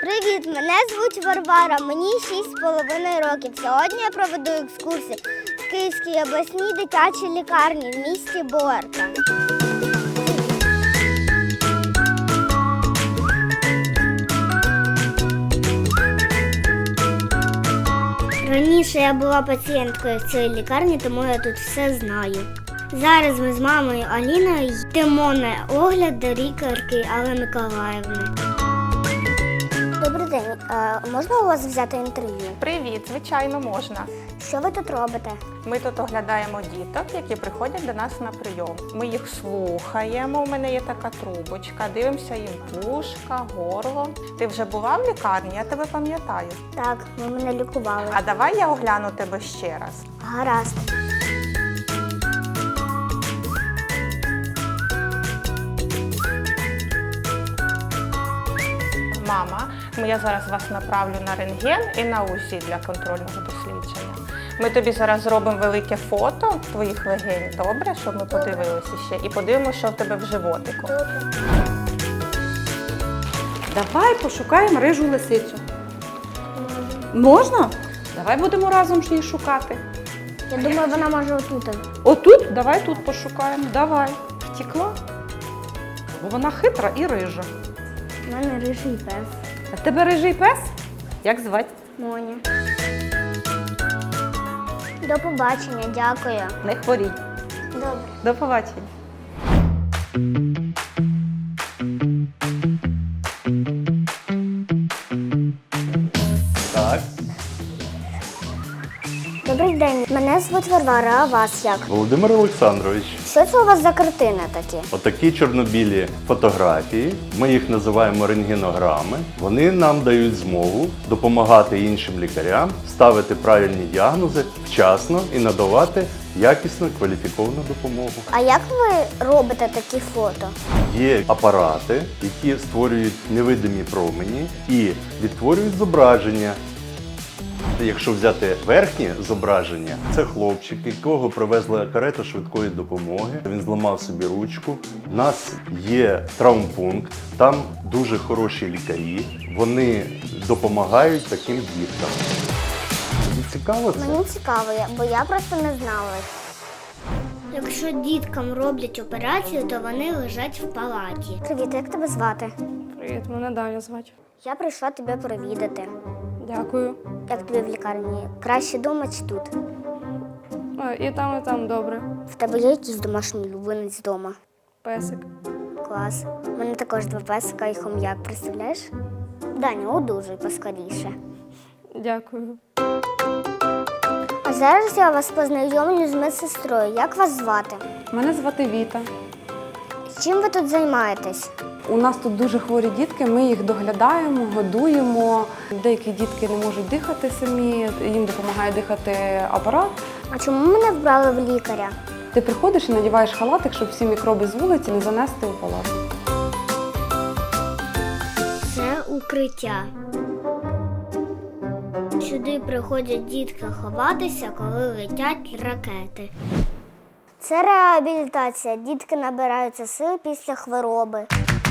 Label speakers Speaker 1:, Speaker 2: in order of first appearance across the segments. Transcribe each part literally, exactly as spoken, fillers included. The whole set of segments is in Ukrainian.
Speaker 1: Привіт, мене звуть Варвара, мені шість з половиною років. Сьогодні я проведу екскурсію в Київській обласній дитячій лікарні в місті Боярка. Раніше я була пацієнткою в цій лікарні, тому я тут все знаю. Зараз ми з мамою Аліною йдемо на огляд до лікарки Алли Миколаївни. Добрий день. А можна у вас взяти інтерв'ю?
Speaker 2: Привіт, звичайно, можна.
Speaker 1: Що ви тут робите?
Speaker 2: Ми тут оглядаємо діток, які приходять до нас на прийом. Ми їх слухаємо, у мене є така трубочка, дивимося їм вушка, горло. Ти вже була в лікарні, я тебе пам'ятаю.
Speaker 1: Так, ви мене лікували.
Speaker 2: А давай я огляну тебе ще раз.
Speaker 1: Гаразд.
Speaker 2: Мама, я зараз вас направлю на рентген і на УЗІ для контрольного дослідження. Ми тобі зараз зробимо велике фото твоїх легень, добре, щоб ми подивилися ще. І подивимося, що в тебе в животику.
Speaker 3: Давай пошукаємо рижу лисицю. Можна? Давай будемо разом ж її шукати.
Speaker 1: Я думаю, вона може отут.
Speaker 3: Отут? Давай тут пошукаємо. Давай. Втекла? Бо вона хитра і рижа.
Speaker 1: У мене рижий пес.
Speaker 3: А в тебе рижий пес? Як звати?
Speaker 1: Моня. До побачення, дякую.
Speaker 3: Не хворій.
Speaker 1: Добре.
Speaker 3: До побачення.
Speaker 4: Так,
Speaker 1: Добрий день, мене звуть Варвара, а вас як?
Speaker 4: Володимир Олександрович,
Speaker 1: Що це у вас за картини такі?
Speaker 4: отакі чорнобілі фотографії, ми їх називаємо рентгенограми. Вони нам дають змогу допомагати іншим лікарям ставити правильні діагнози вчасно і надавати якісну кваліфіковану допомогу.
Speaker 1: А як ви робите такі фото?
Speaker 4: Є апарати, які створюють невидимі промені і відтворюють зображення. Якщо взяти верхнє зображення, це хлопчик, якого привезли карету швидкої допомоги. Він зламав собі ручку. У нас є травмпункт, там дуже хороші лікарі. Вони допомагають таким діткам. Тобі цікаво це?
Speaker 1: Мені цікаво, бо я просто не знала. Якщо діткам роблять операцію, то вони лежать в палаті. Привіт, як тебе звати?
Speaker 5: Привіт, мене Даня звати.
Speaker 1: Я прийшла тебе провідати.
Speaker 5: Дякую.
Speaker 1: Як тобі в лікарні? Краще дома чи тут?
Speaker 5: А, і там, і там добре.
Speaker 1: В тебе є якийсь домашній улюбленець вдома?
Speaker 5: Песик.
Speaker 1: Клас. У мене також два песика і хом'як, представляєш? Даня, одужуй поскоріше.
Speaker 5: Дякую.
Speaker 1: А зараз я вас познайомлю з медсестрою. Як вас звати?
Speaker 5: Мене звати Віта.
Speaker 1: Чим ви тут займаєтесь?
Speaker 5: У нас тут дуже хворі дітки, ми їх доглядаємо, годуємо. Деякі дітки не можуть дихати самі, їм допомагає дихати апарат.
Speaker 1: А чому мене вбрали в лікаря?
Speaker 5: Ти приходиш і надіваєш халатик, щоб всі мікроби з вулиці не занести у палату.
Speaker 1: Це укриття. Сюди приходять дітки ховатися, коли летять ракети. Це реабілітація. Дітки набираються сил після хвороби.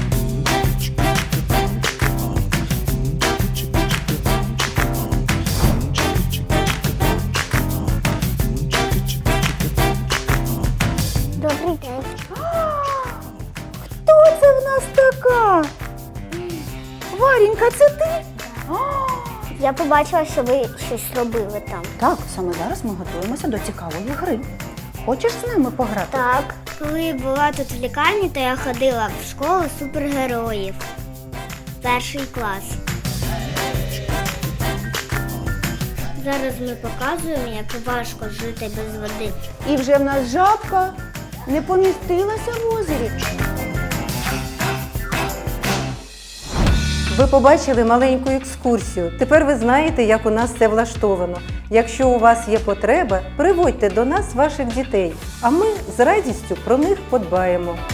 Speaker 1: Добрий день.
Speaker 3: Хто це в нас така? Варенька, це ти?
Speaker 1: Я побачила, що ви щось робили там.
Speaker 6: Так, саме зараз ми готуємося до цікавої гри. Хочеш з нами пограти?
Speaker 1: Так. Коли я була тут в лікарні, то я ходила в школу супергероїв. Перший клас. Зараз ми показуємо, як важко жити без води.
Speaker 6: І вже в нас жабка не помістилася в озері.
Speaker 7: Ви побачили маленьку екскурсію. Тепер ви знаєте, як у нас це влаштовано. Якщо у вас є потреба, приводьте до нас ваших дітей, а ми з радістю про них подбаємо.